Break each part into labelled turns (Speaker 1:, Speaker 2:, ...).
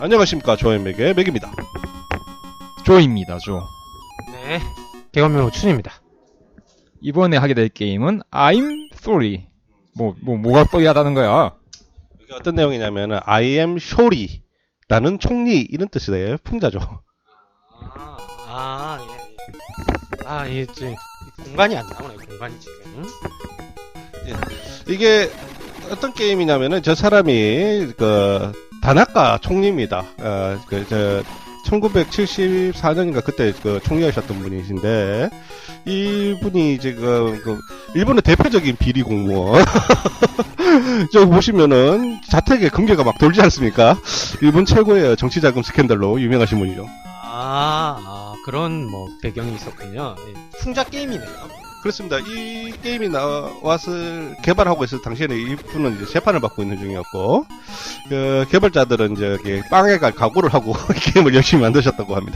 Speaker 1: 안녕하십니까. 조앤맥의 맥입니다.
Speaker 2: 조입니다, 조.
Speaker 3: 네, 개건명 춘입니다.
Speaker 2: 이번에 하게 될 게임은 I'm sorry. 뭐가 쏘리하다는 거야?
Speaker 1: 이게 어떤 내용이냐면은 I am sorry 라는 총리 이런 뜻이래요. 풍자죠.
Speaker 3: 예. 지금 공간이 안 나오네. 공간이 지금.
Speaker 1: 이게 어떤 게임이냐면은 저 사람이 그 다나카 총리입니다. 1974년인가 그때 그 총리하셨던 분이신데 이분이 지금 그 일본의 대표적인 비리 공무원. 저 보시면은 자택에 금괴가 막 돌지 않습니까? 일본 최고의 정치자금 스캔들로 유명하신 분이죠.
Speaker 3: 그런 뭐 배경이 있었군요. 풍자 게임이네요.
Speaker 1: 그렇습니다. 이 게임이 나왔을 개발하고 있을 당시에는 이분은 이제 재판을 받고 있는 중이었고, 그 개발자들은 이제 빵에 갈 각오를 하고 게임을 열심히 만드셨다고 합니다.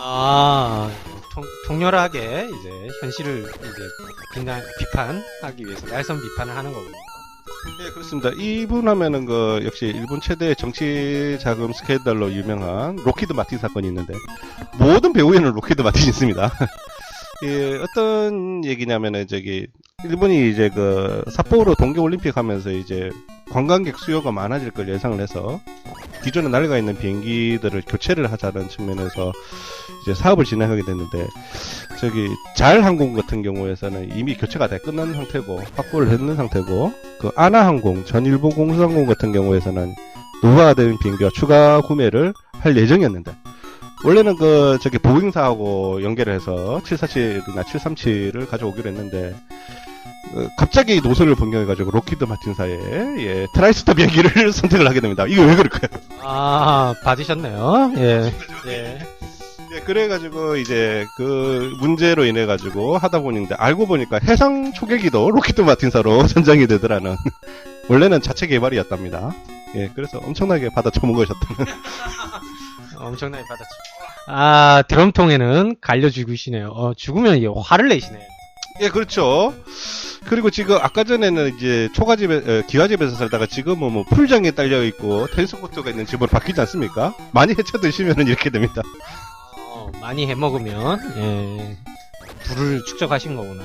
Speaker 3: 통렬하게 이제 현실을 이제 비판하기 위해서 날선 비판을 하는 거군요.
Speaker 1: 네, 그렇습니다. 이분 하면은 그 역시 일본 최대의 정치 자금 스캔들로 유명한 로키드 마틴 사건이 있는데 모든 배우에는 로키드 마틴이 있습니다. 예, 어떤 얘기냐면은 일본이 이제 그 삿포로 동계올림픽 하면서 이제 관광객 수요가 많아질 걸 예상을 해서 기존에 날아가 있는 비행기들을 교체를 하자는 측면에서 이제 사업을 진행하게 됐는데 잘 항공 같은 경우에서는 이미 교체가 다 끝난 상태고 확보를 했는 상태고 그 아나항공 전 일본 공수항공 같은 경우에서는 노후화가 된 비행기와 추가 구매를 할 예정이었는데 원래는 보잉사하고 연계를 해서 747이나 737을 가져오기로 했는데 갑자기 노선을 변경해가지고 로키드 마틴사의 트라이스터 비행기를 선택을 하게 됩니다. 이게 왜 그럴까요?
Speaker 3: 받으셨네요. 예.
Speaker 1: 예, 그래가지고 이제 그 문제로 인해가지고 하다 보니까 알고 보니까 해상 초계기도 로키드 마틴사로 선정이 되더라는 원래는 자체 개발이었답니다. 예, 그래서 엄청나게 받아 처먹으셨다는.
Speaker 3: 엄청나게 받았죠. 드럼통에는 갈려 죽으시네요. 죽으면 이게 화를 내시네요.
Speaker 1: 예, 그렇죠. 그리고 지금 아까 전에는 이제 기와집에서 살다가 지금은 뭐 풀장에 딸려 있고 테니스 코트가 있는 집으로 바뀌지 않습니까? 많이 헤쳐 드시면은 이렇게 됩니다.
Speaker 3: 많이 해 먹으면 불을 축적하신 거구나.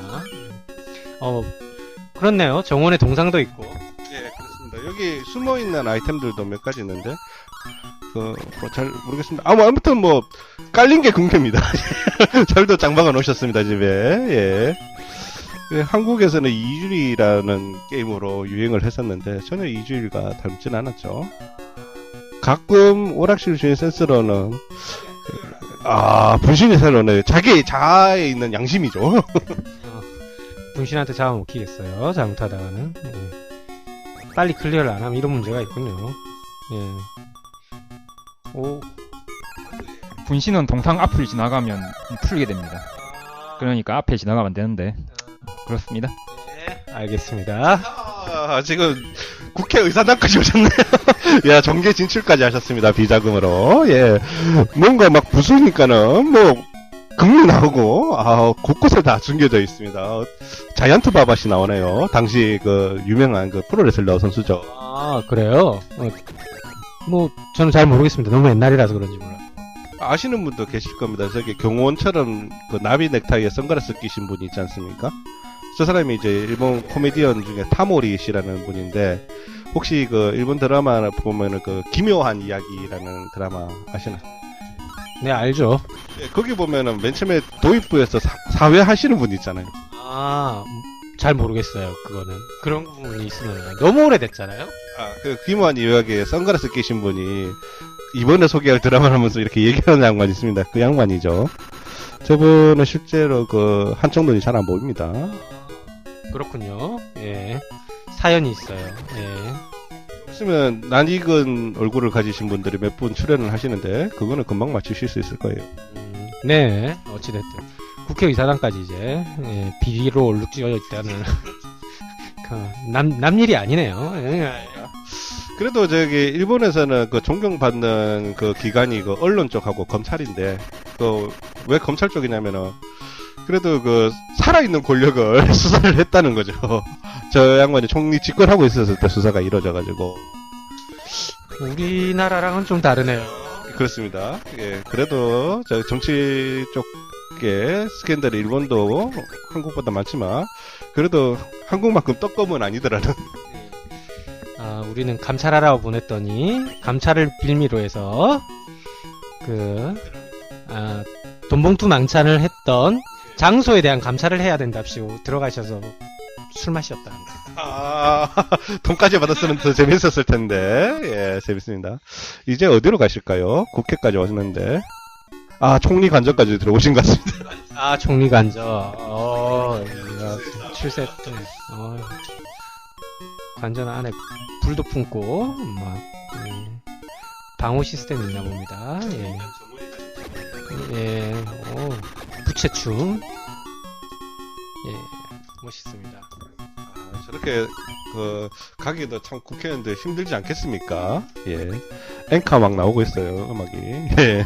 Speaker 3: 그렇네요. 정원에 동상도 있고.
Speaker 1: 예, 그렇습니다. 여기 숨어 있는 아이템들도 몇 가지 있는데 잘 모르겠습니다. 아무튼 깔린 게 궁금합니다. 잘도 장박아 놓으셨습니다, 집에. 예. 한국에서는 이주일이라는 게임으로 유행을 했었는데 전혀 이주일과 닮진 않았죠. 가끔 오락실 주인 센스로는 분신이 새로는 자기 자아에 있는 양심이죠.
Speaker 3: 분신한테 잡아먹히겠어요. 잘못하다가는. 빨리 클리어를 안 하면 이런 문제가 있군요.
Speaker 2: 분신은 동상 앞을 지나가면 풀게 됩니다. 그러니까 앞에 지나가면 안 되는데 그렇습니다.
Speaker 3: 네, 알겠습니다.
Speaker 1: 지금 국회의사당까지 오셨네요. 야, 정계 진출까지 하셨습니다. 비자금으로. 예. 뭔가 막 부수니까는 금리 나오고 곳곳에 다 숨겨져 있습니다. 자이언트 바바시 나오네요. 당시 유명한 프로레슬러 선수죠.
Speaker 3: 그래요? 저는 잘 모르겠습니다. 너무 옛날이라서 그런지 몰라요.
Speaker 1: 아시는 분도 계실 겁니다. 경호원처럼 나비 넥타이에 선글라스 끼신 분이 있지 않습니까? 저 사람이 이제 일본 코미디언 중에 타모리 씨라는 분인데 혹시 일본 드라마 보면은 기묘한 이야기라는 드라마 아시나요?
Speaker 3: 네, 알죠.
Speaker 1: 네, 거기 보면은 맨 처음에 도입부에서 사회 하시는 분 있잖아요.
Speaker 3: 잘 모르겠어요. 그거는 그런 부분이 있으면 너무 오래됐잖아요.
Speaker 1: 기묘한 이야기에 선글라스 끼신 분이 이번에 소개할 드라마를 하면서 이렇게 얘기하는 양반이 있습니다. 그 양반이죠. 저분은 실제로 한쪽 눈이 잘 안 보입니다.
Speaker 3: 그렇군요. 예. 사연이 있어요. 예.
Speaker 1: 있으면 낯익은 얼굴을 가지신 분들이 몇 분 출연을 하시는데 그거는 금방 맞추실 수 있을 거예요.
Speaker 3: 네. 어찌됐든 국회의사당까지 이제 비리로 얼룩지어 있다는 남 일이 아니네요.
Speaker 1: 그래도 일본에서는 존경받는 기관이 언론 쪽하고 검찰인데 왜 검찰 쪽이냐면은 그래도 살아있는 권력을 수사를 했다는 거죠. 저 양반이 총리 집권하고 있었을 때 수사가 이루어져가지고.
Speaker 3: 우리나라랑은 좀 다르네요.
Speaker 1: 그렇습니다. 예, 그래도 저 정치 쪽에 스캔들이 일본도 한국보다 많지만 그래도 한국만큼 떡검은 아니더라는.
Speaker 3: 우리는 감찰하라고 보냈더니 감찰을 빌미로 해서 돈봉투 망찬을 했던 장소에 대한 감찰을 해야 된답시고 들어가셔서 술 마셨답니다.
Speaker 1: 돈까지 받았으면 더 재밌었을 텐데. 예, 재밌습니다. 이제 어디로 가실까요? 국회까지 왔는데. 총리 관저까지 들어오신 것 같습니다.
Speaker 3: 총리 관저. 출세 때. 관전 안에 불도 품고 방호 시스템이 있나 봅니다. 부채춤. 멋있습니다.
Speaker 1: 저렇게 가기도 참 국회의원들 힘들지 않겠습니까? 예, 앵카 막 나오고 있어요, 음악이. 예.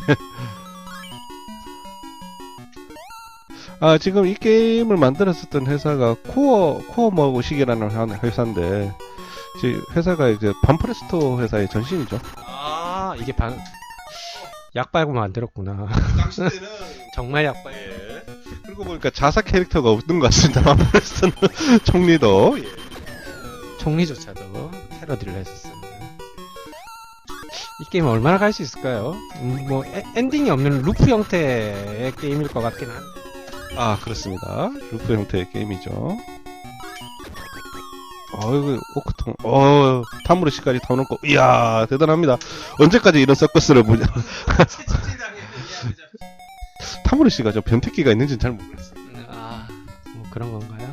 Speaker 1: 지금 이 게임을 만들었었던 회사가 코어 머구식이라는 회사인데, 지금 회사가 이제 반프레스토 회사의 전신이죠.
Speaker 3: 이게 약 빨고 만들었구나.
Speaker 1: 당시에는
Speaker 3: 정말 약 빨고.
Speaker 1: 예. 그리고 보니까 자사 캐릭터가 없던 것 같습니다. 반프레스토는 총리도. 예.
Speaker 3: 총리조차도 패러디를 했었습니다. 이 게임 얼마나 갈 수 있을까요? 엔딩이 없는 루프 형태의 게임일 것 같긴 한데.
Speaker 1: 그렇습니다. 루프 형태의 게임이죠. 이거 오크통, 타무르시까지 다 놓고, 이야, 대단합니다. 언제까지 이런 서커스를 보냐. 타무르시가 저 변태기가 있는지는 잘 모르겠어요.
Speaker 3: 그런 건가요?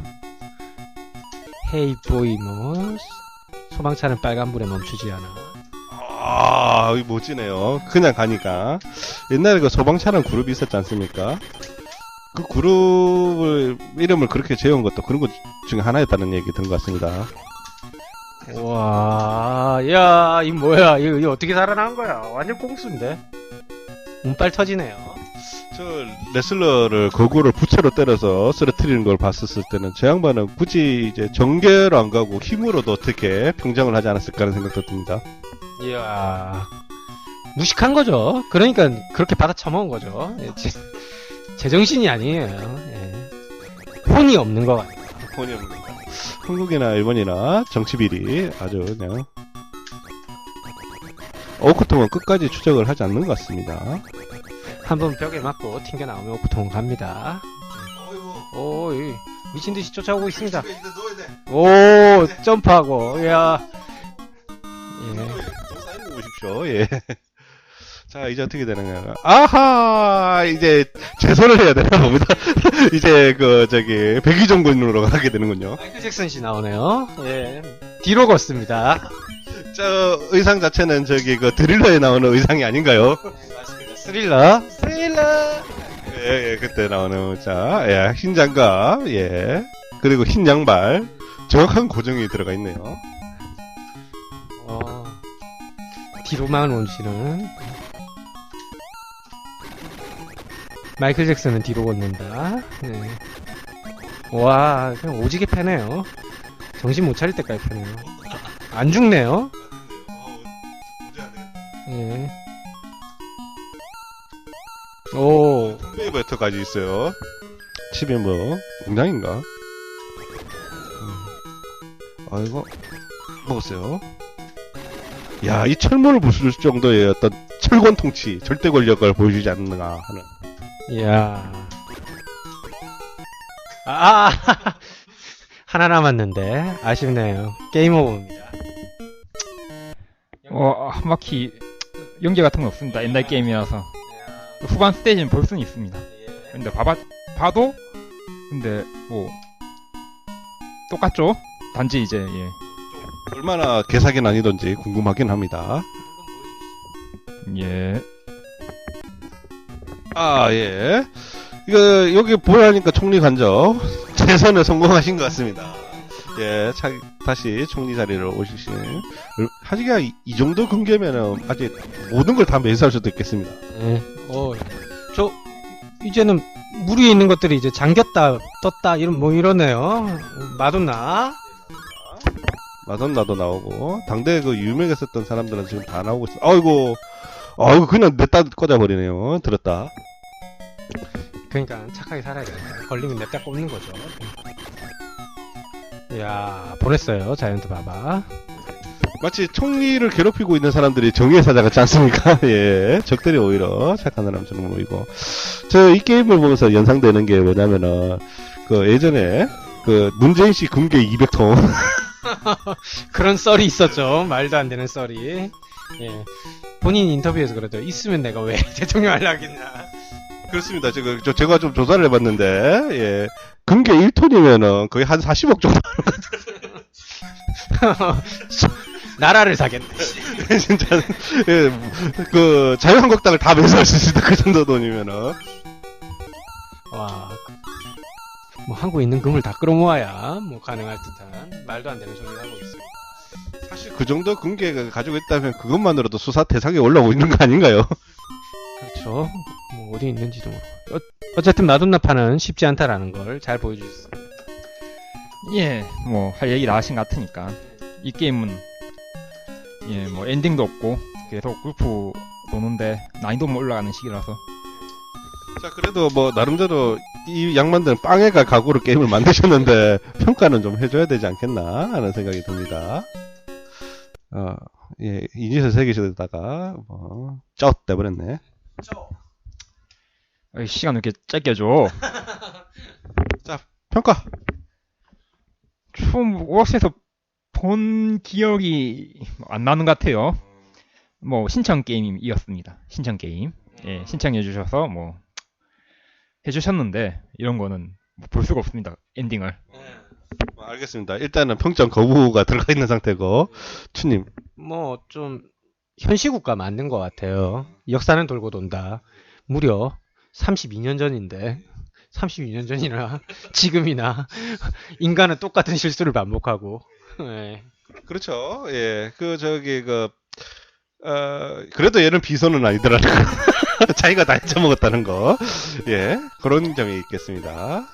Speaker 3: 헤이 보이 소방차는 빨간불에 멈추지 않아.
Speaker 1: 이거 멋지네요. 그냥 가니까. 옛날에 그 소방차라는 그룹이 있었지 않습니까? 그 그룹을 이름을 그렇게 지은 것도 그런 것 중에 하나였다는 얘기 들은 것 같습니다.
Speaker 3: 와, 야, 이 뭐야? 이거 어떻게 살아난 거야? 완전 꽁수인데. 운빨 터지네요.
Speaker 1: 저 레슬러를 거구를 부채로 때려서 쓰러뜨리는 걸 봤었을 때는 저 양반은 굳이 이제 정계로 안 가고 힘으로도 어떻게 평정을 하지 않았을까 하는 생각도 듭니다.
Speaker 3: 이야, 무식한 거죠. 그러니까 그렇게 받아 처먹은 거죠. 제정신이 아니에요. 혼이 없는 것 같아요.
Speaker 1: 혼이 없는 것 같아요. 한국이나 일본이나 정치비리 아주 그냥 오크통은 끝까지 추적을 하지 않는 것 같습니다.
Speaker 3: 한번 벽에 맞고 튕겨 나오면 오크통 갑니다. 미친 듯이 쫓아오고 있습니다. 점프하고, 야.
Speaker 1: 보십시오. 예. 자, 이제 어떻게 되는가. 이제 재선을 해야 되나 봅니다. 이제 백의종군으로 가게 되는군요.
Speaker 3: 마이클 잭슨 씨 나오네요. 뒤로 걷습니다.
Speaker 1: 저 의상 자체는 드릴러에 나오는 의상이 아닌가요?
Speaker 3: 맞습니다. 스릴러.
Speaker 1: 예, 그때 나오는, 흰 장갑, 그리고 흰 양발. 정확한 고정이 들어가 있네요.
Speaker 3: 뒤로만 오시는. 마이클 잭슨은 뒤로 걷는다. 와, 그냥 오지게 패네요. 정신 못 차릴 때까지 패네요. 안 죽네요.
Speaker 1: 웨이버터까지 있어요. 칩이 공장인가? 이거 먹었어요. 야, 이 철문을 부술 정도의 어떤 철권 통치, 절대 권력을 보여주지 않는가 하는.
Speaker 3: 이야. 하나 남았는데 아쉽네요. 게임 오버입니다.
Speaker 2: 한 바퀴 연계 같은 건 없습니다. 옛날 게임이라서 후반 스테이지는 볼 수는 있습니다. 근데 봐도 근데 똑같죠? 단지 이제
Speaker 1: 얼마나 개사기 난이던지 궁금하긴 합니다. 여기 보여하니까 총리 간접 재선에 성공하신 것 같습니다. 다시 총리 자리를 오시신. 하지가 이 정도 근계면은 아직 모든 걸 다 매수할 수도 있겠습니다.
Speaker 3: 이제는 물 위에 있는 것들이 이제 잠겼다, 떴다, 이러네요. 마돈나도
Speaker 1: 나오고, 당대 유명했었던 사람들은 지금 다 나오고 있어. 아이고, 아이고, 그냥 냈다 꽂아버리네요. 들었다.
Speaker 3: 그러니까 착하게 살아야 돼. 걸리면 냅다 꼽는 거죠. 이야, 보냈어요. 자이언트 바바.
Speaker 1: 마치 총리를 괴롭히고 있는 사람들이 정의의 사자 같지 않습니까? 예. 적들이 오히려 착한 사람처럼 보이고. 저 이 게임을 보면서 연상되는 게 뭐냐면은, 그 예전에, 그 문재인 씨 금괴 200통.
Speaker 3: 그런 썰이 있었죠. 말도 안 되는 썰이. 예. 본인 인터뷰에서 그러죠. 있으면 내가 왜 대통령 하려고 했나.
Speaker 1: 그렇습니다. 제가 좀 조사를 해봤는데, 예. 금괴 1톤이면은 거의 한 40억 정도.
Speaker 3: 나라를 사겠네.
Speaker 1: 진짜, 예. 그, 자유한국당을 다 매수할 수 있다. 그 정도 돈이면은.
Speaker 3: 와. 뭐 한국에 있는 금을 다 끌어모아야 뭐 가능할 듯한 말도 안 되는 소리를 하고 있습니다.
Speaker 1: 사실 그 정도 금괴가 가지고 있다면 그것만으로도 수사 대상에 올라오고 있는 거 아닌가요?
Speaker 3: 그렇죠. 뭐 어디 있는지도 모르고. 어쨌든 마돈나파는 쉽지 않다라는 걸 잘 보여주셨습니다.
Speaker 2: 예, 뭐 할 얘기 다 하신 것 같으니까 이 게임은 예, 뭐 엔딩도 없고 계속 골프 노는데 난이도만 올라가는 시기라서
Speaker 1: 자, 그래도 뭐, 나름대로 이 양반들은 빵에 갈 각오로 게임을 만드셨는데, 평가는 좀 해줘야 되지 않겠나, 하는 생각이 듭니다. 예, 이니셜 새기시다가, 쩌! 떼버렸네.
Speaker 2: 어이, 시간 왜 이렇게 짧게 해줘.
Speaker 1: 자, 평가!
Speaker 2: 처음 오락실에서 본 기억이 안 나는 것 같아요. 뭐 신청 게임이었습니다. 신청 게임. 예, 신청해 주셔서 뭐 해주셨는데 이런 거는 볼 수가 없습니다. 엔딩을.
Speaker 1: 알겠습니다. 일단은 평점 거부가 들어가 있는 상태고, 추님.
Speaker 3: 뭐 좀 현시국가 맞는 것 같아요. 역사는 돌고 돈다. 무려 32년 전인데 32년 전이나 지금이나 인간은 똑같은 실수를 반복하고. 예.
Speaker 1: 그렇죠. 예, 그래도 얘는 비선은 아니더라고요. 자기가 다 잊어먹었다는 거. 예, 그런 점이 있겠습니다.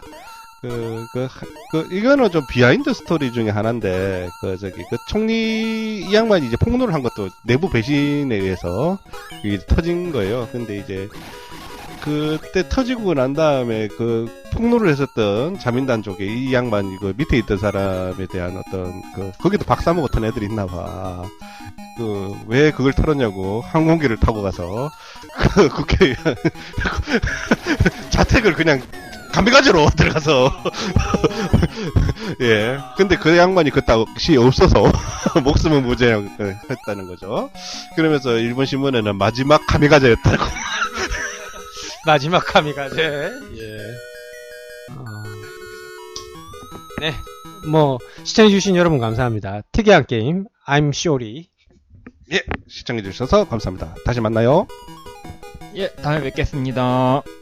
Speaker 1: 이거는 좀 비하인드 스토리 중에 하나인데, 총리, 이 양반이 이제 폭로를 한 것도 내부 배신에 의해서 이게 터진 거예요. 근데 이제, 그때 터지고 난 다음에 폭로를 했었던 자민당 쪽에 이 양반, 밑에 있던 사람에 대한 거기도 박사모 같은 애들이 있나 봐. 왜 그걸 털었냐고 항공기를 타고 가서 국회 자택을 그냥 감비가지로 들어가서 예. 근데 그 양반이 그따시 없어서 목숨은 무죄했다는 거죠. 그러면서 일본 신문에는 마지막 카미가제였다고.
Speaker 3: 마지막 카미가제. 예. 네. 뭐 시청해주신 여러분 감사합니다. 특이한 게임 I'm Sorry.
Speaker 1: 예, 시청해주셔서 감사합니다. 다시 만나요.
Speaker 2: 예, 다음에 뵙겠습니다.